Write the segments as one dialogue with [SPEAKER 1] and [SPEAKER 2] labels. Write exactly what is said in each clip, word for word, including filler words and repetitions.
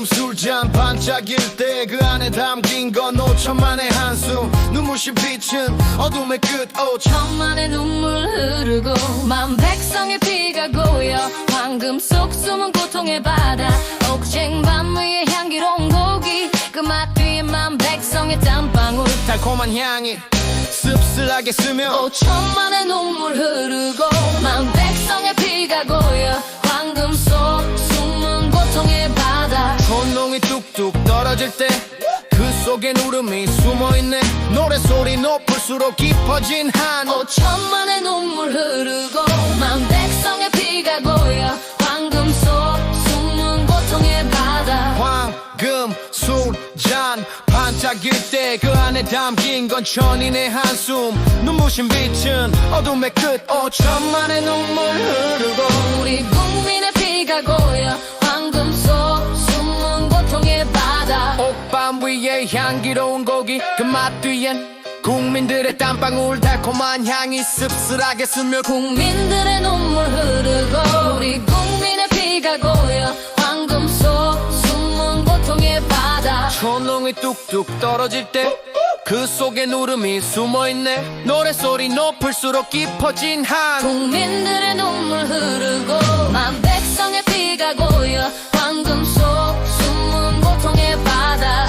[SPEAKER 1] 황금 술잔 반짝일 때 그 안에 담긴 건 오천만의 한숨. 눈부신 빛은 어둠의 끝
[SPEAKER 2] 오천만의 눈물 흐르고 만 백성의 피가 고여 황금 속 숨은 고통의 바다. 옥쟁 밤 위에 향기로운 고기 그 맛 뒤에 만 백성의 땀방울.
[SPEAKER 1] 달콤한 향이 씁쓸하게 스며
[SPEAKER 2] 오천만의 눈물 흐르고 만 백성의 피가 고여 황금 속 숨은 고통의 바다.
[SPEAKER 1] 촌농이 뚝뚝 떨어질 때 그 속엔 울음이 숨어있네. 노래소리 높을수록 깊어진 한옥.
[SPEAKER 2] 오천만의 눈물 흐르고 만 백성의 피가 고여 황금 속 숨은 고통의 바다.
[SPEAKER 1] 황금 술잔 반짝일 때 그 안에 담긴 건 천인의 한숨. 눈부신 빛은 어둠의 끝 오천만의 눈물 흐르고
[SPEAKER 2] 우리 국민의 피가 고여 황금 속 숨은 고통의 바다.
[SPEAKER 1] 옥밤 위에 향기로운 고기 그 맛 뒤엔 국민들의 땀방울 달콤한 향이 씁쓸하게 스며
[SPEAKER 2] 국민들의 눈물 흐르고 우리 국민의 피가 고여 황금 속 숨은 고통의 바다.
[SPEAKER 1] 촌농이 뚝뚝 떨어질 때 그 속에 울음이 숨어있네. 노래소리 높을수록 깊어진 한
[SPEAKER 2] 국민들의 눈물 흐르고 만 백성의 피가 고여 황금 속 숨은 고통의 바다.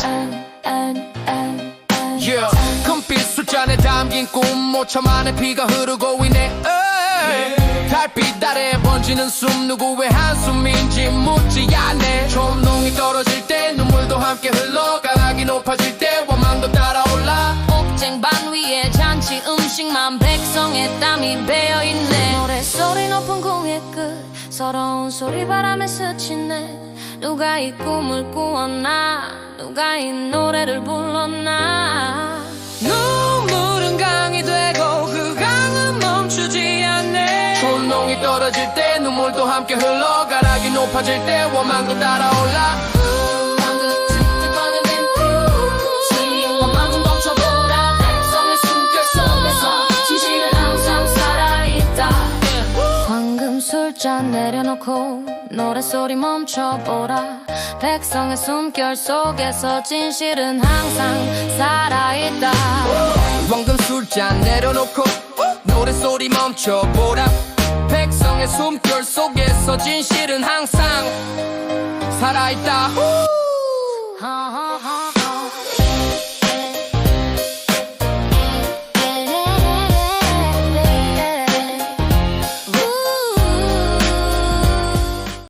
[SPEAKER 1] yeah. 금빛 술잔에 담긴 꿈 오천만의 피가 흐르고 있네. 에이. 달빛 아래 번지는 숨 누구의 한숨인지 묻지 않네. 촌농이 떨어질 때 눈물도 함께 흘러 가락이 높아질 때 원망도 따라올라.
[SPEAKER 2] 옥쟁 반 위에 잔치 음식만 백성의 땀이 배어있네. 노래소리 높은 공의 끝 서러운 소리 바람에 스치네. 누가 이 꿈을 꾸었나 누가 이 노래를 불렀나. 눈물은 강이 되고 그 강은 멈추지 않네.
[SPEAKER 1] 촌농이 떨어질 때 눈물도 함께 흘러 가락이 높아질 때 원망도 따라올라.
[SPEAKER 2] 방금 툭툭거리는 빈 원망 멈춰보라. 백성의 숨결 속에서 진실은 항상 살아있다. 황금 술잔 내려놓고 노래소리 멈춰보라. 백성의 숨결 속에서 진실은 항상 살아있다.
[SPEAKER 1] 황금 술잔 내려놓고 노래소리 멈춰보라. 백성의 숨결 속에서 진실은 항상 살아있다.
[SPEAKER 2] 어, 어.